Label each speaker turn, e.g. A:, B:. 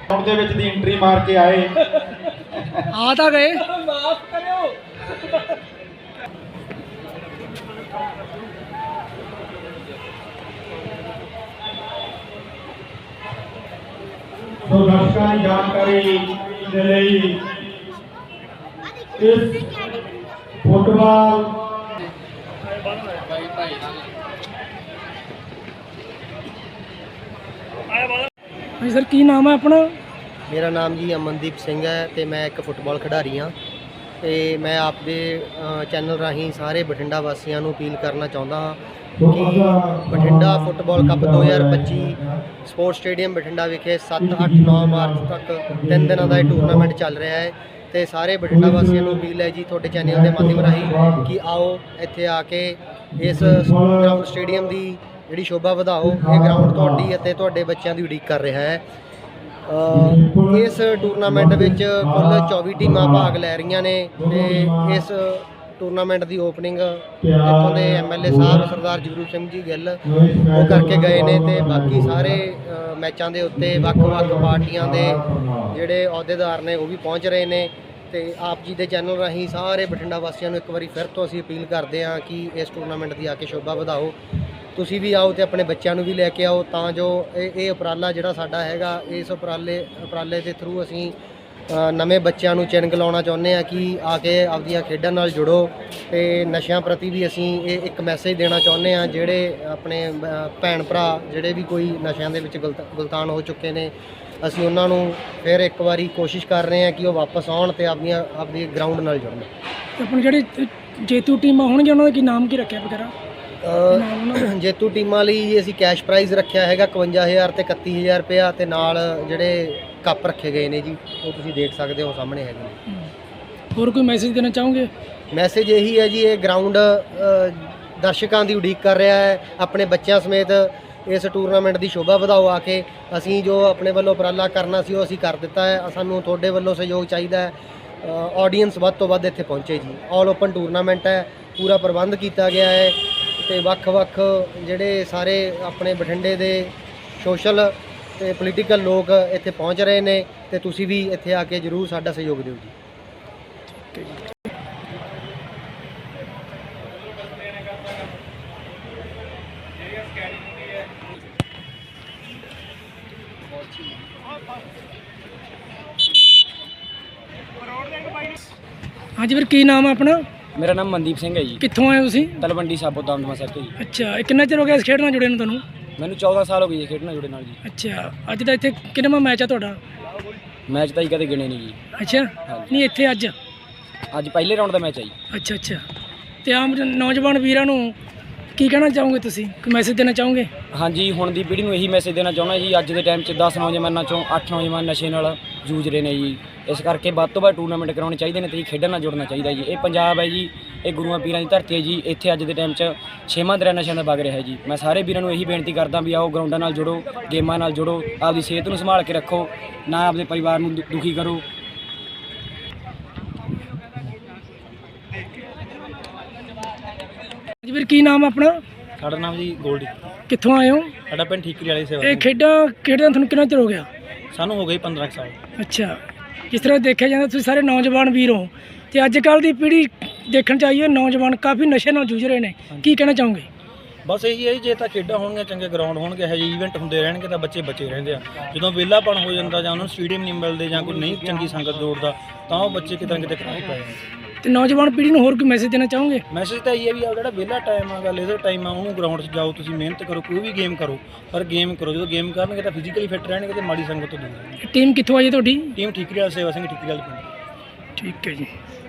A: ਦੇ ਵਿੱਚ ਦੀ ਐਂਟਰੀ ਮਾਰ ਕੇ ਆਏ
B: ਆ ਤਾਂ ਗਏ।
C: ਮਾਫ ਕਰਿਓ।
A: ਸੋ ਦਰਸ਼ਕਾਂ ਦੀ ਜਾਣਕਾਰੀ ਦੇ ਲਈ ਇਸ ਫੁੱਟਬਾਲ
B: ਹਾਂਜੀ ਸਰ, ਕੀ ਨਾਮ ਹੈ ਆਪਣਾ?
D: ਮੇਰਾ ਨਾਮ ਜੀ ਅਮਨਦੀਪ ਸਿੰਘ ਹੈ ਤੇ ਮੈਂ ਇੱਕ ਫੁੱਟਬਾਲ ਖਿਡਾਰੀ ਹਾਂ ਤੇ ਮੈਂ ਆਪਦੇ ਚੈਨਲ ਰਾਹੀਂ ਸਾਰੇ ਬਠਿੰਡਾ ਵਾਸੀਆਂ ਨੂੰ ਅਪੀਲ ਕਰਨਾ ਚਾਹੁੰਦਾ ਹਾਂ ਕਿ Bathinda football cup 2025 sports stadium Bathinda ਵਿਖੇ 7, 8, 9 ਮਾਰਚ ਤੱਕ 3 ਦਿਨਾਂ ਦਾ ਇਹ ਟੂਰਨਾਮੈਂਟ ਚੱਲ ਰਿਹਾ ਹੈ ਤੇ ਸਾਰੇ ਬਠਿੰਡਾ ਵਾਸੀਆਂ ਨੂੰ ਅਪੀਲ ਹੈ ਜੀ ਤੁਹਾਡੇ ਚੈਨਲ ਦੇ ਮਾਧਿਅਮ ਰਾਹੀਂ ਕਿ ਆਓ ਇੱਥੇ ਆ ਕੇ ਇਸ ਗਰਾਊਂਡ ਸਟੇਡੀਅਮ ਦੀ ਜਿਹੜੀ ਸ਼ੋਭਾ ਵਧਾਓ। ਇਹ ਗਰਾਊਂਡ ਤੁਹਾਡੀ ਅਤੇ ਤੁਹਾਡੇ ਬੱਚਿਆਂ ਦੀ ਉਡੀਕ ਕਰ ਰਿਹਾ ਹੈ। ਇਸ ਟੂਰਨਾਮੈਂਟ ਵਿੱਚ ਕੁੱਲ 24 ਟੀਮਾਂ ਭਾਗ ਲੈ ਰਹੀਆਂ ਨੇ ਤੇ ਇਸ ਟੂਰਨਾਮੈਂਟ ਦੀ ਓਪਨਿੰਗ ਇੱਥੋਂ ਦੇ ਐਮਐਲਏ ਸਾਹਿਬ ਸਰਦਾਰ ਜਗਰੂਪ ਸਿੰਘ ਜੀ ਗਿੱਲ ਉਹ ਕਰਕੇ ਗਏ ਨੇ ਤੇ ਬਾਕੀ ਸਾਰੇ ਮੈਚਾਂ ਦੇ ਉੱਤੇ ਵੱਖ-ਵੱਖ ਪਾਰਟੀਆਂ ਦੇ ਜਿਹੜੇ ਅਹੁਦੇਦਾਰ ਨੇ ਉਹ ਵੀ ਪਹੁੰਚ ਰਹੇ ਨੇ ਤੇ ਆਪ ਜੀ ਦੇ ਚੈਨਲ ਰਾਹੀਂ ਸਾਰੇ ਬਠਿੰਡਾ ਵਾਸੀਆਂ ਨੂੰ ਇੱਕ ਵਾਰੀ ਫਿਰ ਤੋਂ ਅਸੀਂ ਅਪੀਲ ਕਰਦੇ ਹਾਂ ਕਿ ਇਸ ਟੂਰਨਾਮੈਂਟ ਦੀ ਆ ਕੇ ਸ਼ੋਭਾ ਵਧਾਓ। ਤੁਸੀਂ ਵੀ ਆਓ ਤੇ ਆਪਣੇ ਬੱਚਿਆਂ ਨੂੰ ਵੀ ਲੈ ਕੇ ਆਓ ਤਾਂ ਜੋ ਇਹ ਉਪਰਾਲਾ ਜਿਹੜਾ ਸਾਡਾ ਹੈਗਾ ਇਸ ਉਪਰਾਲੇ ਦੇ ਥਰੂ ਅਸੀਂ ਨਵੇਂ ਬੱਚਿਆਂ ਨੂੰ ਚਿੰਨ੍ਹ ਲਾਉਣਾ ਚਾਹੁੰਦੇ ਹਾਂ ਕਿ ਆ ਕੇ ਆਪਦੀਆਂ ਖੇਡਾਂ ਨਾਲ ਜੁੜੋ ਤੇ ਨਸ਼ਿਆਂ ਪ੍ਰਤੀ ਵੀ ਅਸੀਂ ਇਹ ਇੱਕ ਮੈਸੇਜ ਦੇਣਾ ਚਾਹੁੰਦੇ ਹਾਂ। ਜਿਹੜੇ ਆਪਣੇ ਭੈਣ ਭਰਾ ਜਿਹੜੇ ਵੀ ਕੋਈ ਨਸ਼ਿਆਂ ਦੇ ਵਿੱਚ ਗੁਲਤਾਨ ਹੋ ਚੁੱਕੇ ਨੇ ਅਸੀਂ ਉਹਨਾਂ ਨੂੰ ਫਿਰ ਇੱਕ ਵਾਰੀ ਕੋਸ਼ਿਸ਼ ਕਰ ਰਹੇ ਹਾਂ ਕਿ ਉਹ ਵਾਪਸ ਆਉਣ ਤੇ ਆਪਣੀ ਗਰਾਊਂਡ ਨਾਲ ਜੁੜਨ।
B: ਆਪਣੇ ਜਿਹੜੇ ਜੇਤੂ ਟੀਮਾਂ ਹੋਣਗੀਆਂ ਉਹਨਾਂ ਦਾ ਕੀ ਨਾਮ ਕੀ ਰੱਖਿਆ ਵਗੈਰਾ?
D: ਜੇਤੂ ਟੀਮਾਂ ਲਈ ਅਸੀਂ ਕੈਸ਼ ਪ੍ਰਾਈਜ਼ ਰੱਖਿਆ ਹੈਗਾ 51000 ਤੇ 31000 ਰੁਪਇਆ ਤੇ ਨਾਲ ਜਿਹੜੇ ਕੱਪ ਰੱਖੇ ਗਏ ਨੇ ਜੀ ਉਹ ਤੁਸੀਂ ਦੇਖ ਸਕਦੇ ਹੋ ਸਾਹਮਣੇ ਹੈਗੇ ਨੇ।
B: ਹੋਰ ਕੋਈ ਮੈਸੇਜ ਦੇਣਾ ਚਾਹੋਗੇ?
D: ਮੈਸੇਜ ਇਹੀ ਹੈ ਜੀ, ਇਹ ਗਰਾਊਂਡ ਦਰਸ਼ਕਾਂ ਦੀ ਉਡੀਕ ਕਰ ਰਿਹਾ ਹੈ। ਆਪਣੇ ਬੱਚਿਆਂ ਸਮੇਤ ਇਸ ਟੂਰਨਾਮੈਂਟ ਦੀ ਸ਼ੋਭਾ ਵਧਾਓ ਆ ਕੇ। ਅਸੀਂ ਜੋ ਆਪਣੇ ਵੱਲੋਂ ਉਪਰਾਲਾ ਕਰਨਾ ਸੀ ਉਹ ਅਸੀਂ ਕਰ ਦਿੱਤਾ ਹੈ। ਸਾਨੂੰ ਤੁਹਾਡੇ ਵੱਲੋਂ ਸਹਿਯੋਗ ਚਾਹੀਦਾ ਹੈ। ਆਡੀਅנס ਵੱਧ ਤੋਂ ਵੱਧ ਇੱਥੇ ਪਹੁੰਚੇ ਜੀ। ਆਲ ਓਪਨ ਟੂਰਨਾਮੈਂਟ ਹੈ, ਪੂਰਾ ਪ੍ਰਬੰਧ ਕੀਤਾ ਗਿਆ ਹੈ ਤੇ ਵੱਖ-ਵੱਖ ਜਿਹੜੇ ਸਾਰੇ ਆਪਣੇ ਬਠਿੰਡੇ ਦੇ ਸੋਸ਼ਲ ਤੇ ਪੋਲੀਟੀਕਲ ਲੋਕ ਇੱਥੇ ਪਹੁੰਚ ਰਹੇ ਨੇ ਤੇ ਤੁਸੀਂ ਵੀ ਇੱਥੇ ਆ ਕੇ ਜ਼ਰੂਰ ਸਾਡਾ ਸਹਿਯੋਗ ਦਿਓ ਜੀ।
B: ਹਾਂਜੀ ਵੀਰ, ਕੀ ਨਾਮ ਹੈ ਆਪਣਾ?
C: ਮੇਰਾ ਨਾਮ ਮਨਦੀਪ ਸਿੰਘ ਹੈ ਜੀ।
B: ਕਿੱਥੋਂ ਆਏ ਹੋ ਤੁਸੀਂ?
C: ਤਲਵੰਡੀ ਸਾਬੋ ਦਮਦਮਾ ਸਾਹਿਬ ਤੋਂ ਜੀ।
B: ਅੱਛਾ, ਇਹ ਕਿੰਨਾ ਚਿਰ ਹੋ ਗਿਆ ਇਸ ਖੇਡ ਨਾਲ ਜੁੜੇ ਨੂੰ ਤੁਹਾਨੂੰ?
C: ਮੈਨੂੰ 14 ਸਾਲ ਹੋ ਗਏ ਜੀ ਖੇਡਣਾ ਜੁੜੇ ਨਾਲ ਜੀ।
B: ਅੱਛਾ, ਅੱਜ ਦਾ ਇੱਥੇ ਕਿੰਨਵਾਂ ਮੈਚ ਆ ਤੁਹਾਡਾ?
C: ਮੈਚ ਤਾਂ ਹੀ ਕਦੇ ਗਿਣੇ ਨਹੀਂ ਜੀ।
B: ਅੱਛਾ, ਨਹੀਂ ਇੱਥੇ ਅੱਜ
C: ਪਹਿਲੇ ਰਾਊਂਡ ਦਾ ਮੈਚ ਆ ਜੀ।
B: ਅੱਛਾ ਅੱਛਾ। ਤੇ ਆਮ ਨੌਜਵਾਨ ਵੀਰਾਂ ਨੂੰ ਕੀ ਕਹਿਣਾ ਚਾਹੋਗੇ ਤੁਸੀਂ? ਕੋਈ ਮੈਸੇਜ ਦੇਣਾ ਚਾਹੋਗੇ?
C: ਹਾਂਜੀ, ਹੁਣ ਦੀ ਪੀੜ੍ਹੀ ਨੂੰ ਇਹੀ ਮੈਸੇਜ ਦੇਣਾ ਚਾਹੁੰਦਾ ਜੀ। ਅੱਜ ਦੇ ਟਾਈਮ 'ਚ 10 ਨੌਜਵਾਨਾਂ ਚੋਂ 8 ਨੌਜਵਾਨ ਨਸ਼ੇ ਨਾਲ ਜੂਝ ਰਹੇ ਨੇ ਜੀ। ਇਸ ਕਰਕੇ ਵੱਧ ਤੋਂ ਵੱਧ ਟੂਰਨਾਮੈਂਟ ਕਰਾਉਣੇ ਚਾਹੀਦੇ ਨੇ ਤੇ ਖੇਡਾਂ ਨਾਲ ਜੁੜਨਾ ਚਾਹੀਦਾ ਜੀ। ਇਹ ਪੰਜਾਬ ਹੈ ਜੀ, ਇਹ ਗੁਰੂਆਂ ਪੀਰਾਂ ਦੀ ਧਰਤੀ ਹੈ ਜੀ। ਇੱਥੇ ਅੱਜ ਦੇ ਟਾਈਮ 'ਚ 6ਵਾਂ ਦਰਿਆ ਨਸ਼ਿਆਂ ਦਾ ਵਗ ਰਿਹਾ ਜੀ। ਮੈਂ ਸਾਰੇ ਵੀਰਾਂ ਨੂੰ ਇਹੀ ਬੇਨਤੀ ਕਰਦਾ ਵੀ ਆਓ ਗਰਾਊਂਡਾਂ ਨਾਲ ਜੁੜੋ, ਗੇਮਾਂ ਨਾਲ ਜੁੜੋ, ਆਪਦੀ ਸਿਹਤ ਨੂੰ ਸੰਭਾਲ ਕੇ ਰੱਖੋ, ਨਾ ਆਪਦੇ ਪਰਿਵਾਰ ਨੂੰ ਦੁਖੀ ਕਰੋ।
B: ਜੀ ਵੀਰ, ਕੀ ਨਾਮ ਆਪਣਾ?
E: ਸਾਡਾ ਨਾਮ ਜੀ ਗੋਲਡੀ।
B: ਕਿੱਥੋਂ ਆਏ ਹੋ?
E: ਸਾਡਾ ਪਿੰਡ ਠੀਕਰੀ ਵਾਲੀ ਸੇਵਾ।
B: ਇਹ ਖੇਡਾਂ ਤੁਹਾਨੂੰ ਕਿੰਨਾ ਚਿਰ ਹੋ ਗਿਆ?
E: ਸਾਨੂੰ ਹੋ ਗਏ 15 ਸਾਲ।
B: ਅੱਛਾ, ਜਿਸ ਤਰ੍ਹਾਂ ਦੇਖਿਆ ਜਾਂਦਾ ਤੁਸੀਂ ਸਾਰੇ ਨੌਜਵਾਨ ਵੀਰ ਹੋ ਤੇ ਅੱਜ ਕੱਲ੍ਹ ਦੀ ਪੀੜ੍ਹੀ ਦੇਖਣ ਚ ਆਈ ਹੈ ਨੌਜਵਾਨ ਕਾਫੀ ਨਸ਼ੇ ਨਾਲ ਜੂਝ ਰਹੇ ਨੇ, ਕੀ ਕਹਿਣਾ ਚਾਹੋਗੇ?
E: ਬਸ ਇਹੀ ਹੈ, ਜੇ ਤਾਂ ਖੇਡਾਂ ਹੋਣਗੀਆਂ, ਚੰਗੇ ਗਰਾਊਂਡ ਹੋਣਗੇ, ਇਹੋ ਜਿਹੇ ਈਵੈਂਟ ਹੁੰਦੇ ਰਹਿਣਗੇ ਤਾਂ ਬੱਚੇ ਬਚੇ ਰਹਿੰਦੇ ਆ। ਜਦੋਂ ਵਿਹਲਾਪਣ ਹੋ ਜਾਂਦਾ ਜਾਂ ਉਹਨਾਂ ਨੂੰ ਸਟੇਡੀਅਮ ਨਹੀਂ ਮਿਲਦੇ ਜਾਂ ਕੋਈ ਨਹੀਂ ਚੰਗੀ ਸੰਗਤ ਜੋੜਦਾ ਤਾਂ ਉਹ ਬੱਚੇ ਕਿਤੇ ਨਾ ਕਿਤੇ ਖਰਾਬ ਪੈ ਜਾਂਦੇ।
B: ਤੇ ਨੌਜਵਾਨ ਪੀੜ੍ਹੀ ਨੂੰ ਹੋਰ ਕੋਈ ਮੈਸੇਜ ਦੇਣਾ ਚਾਹੋਗੇ?
E: ਮੈਸੇਜ ਤਾਂ ਇਹ ਹੈ ਵੀ ਆ ਜਿਹੜਾ ਵਿਹਲਾ ਟਾਈਮ ਆ, ਲੇਜ਼ਰ ਟਾਈਮ ਆ, ਉਹਨੂੰ ਗਰਾਊਂਡ 'ਚ ਜਾਓ, ਤੁਸੀਂ ਮਿਹਨਤ ਕਰੋ, ਕੋਈ ਵੀ ਗੇਮ ਕਰੋ, ਪਰ ਗੇਮ ਕਰੋ। ਜਦੋਂ ਗੇਮ ਕਰਨਗੇ ਤਾਂ ਫਿਜ਼ੀਕਲੀ ਫਿੱਟ ਰਹਿਣਗੇ ਤੇ ਮਾੜੀ ਸੰਗਤ ਤੋਂ ਦੂਰ ਰਹਿਣਗੇ।
B: ਟੀਮ ਕਿੱਥੋਂ ਆਈ ਹੈ ਤੁਹਾਡੀ?
E: ਟੀਮ ਠੀਕਰੀ ਵਾਲੀ ਸੇਵਾ ਸਿੰਘ, ਠੀਕਰੀ ਵਾਲੀ ਪਿੰਡ।
B: ਠੀਕ ਹੈ ਜੀ।